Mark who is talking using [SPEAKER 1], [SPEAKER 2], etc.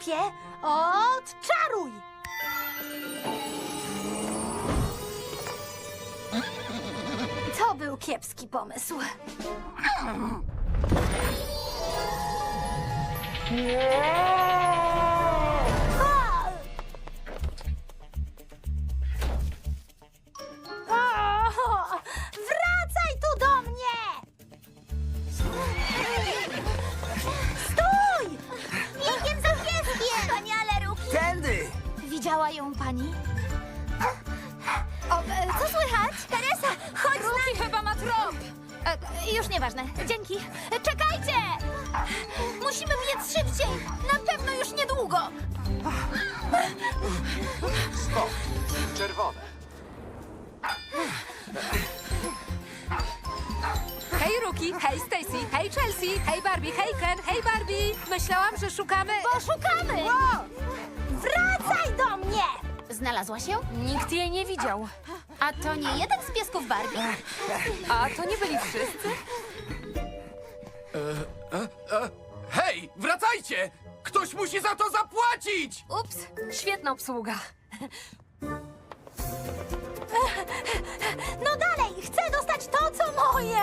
[SPEAKER 1] Olafie, odczaruj! To był kiepski pomysł. Wracaj tu do mnie! Stój! Biegiem za pieskiem! Wspaniale, Ruki!
[SPEAKER 2] Tędy!
[SPEAKER 1] Widziała ją pani? Co słychać? Teresa, chodź
[SPEAKER 3] Ruki chyba ma trop!
[SPEAKER 1] Już nieważne. Dzięki. Czekajcie! Musimy biec szybciej. Na pewno już niedługo.
[SPEAKER 4] Stop. Czerwone.
[SPEAKER 3] Hej Ruki, hej Stacy, hej Chelsea, hej Barbie, hej Ken, hej Barbie! Myślałam, że szukamy...
[SPEAKER 1] Bo szukamy! Wracaj do mnie! Znalazła się?
[SPEAKER 3] Nikt jej nie widział.
[SPEAKER 1] A to nie jeden z piesków Barbie.
[SPEAKER 3] A to nie byli wszyscy?
[SPEAKER 2] Hej, wracajcie! Ktoś musi za to zapłacić!
[SPEAKER 3] Ups, świetna obsługa.
[SPEAKER 1] No dalej, chcę dostać to, co moje.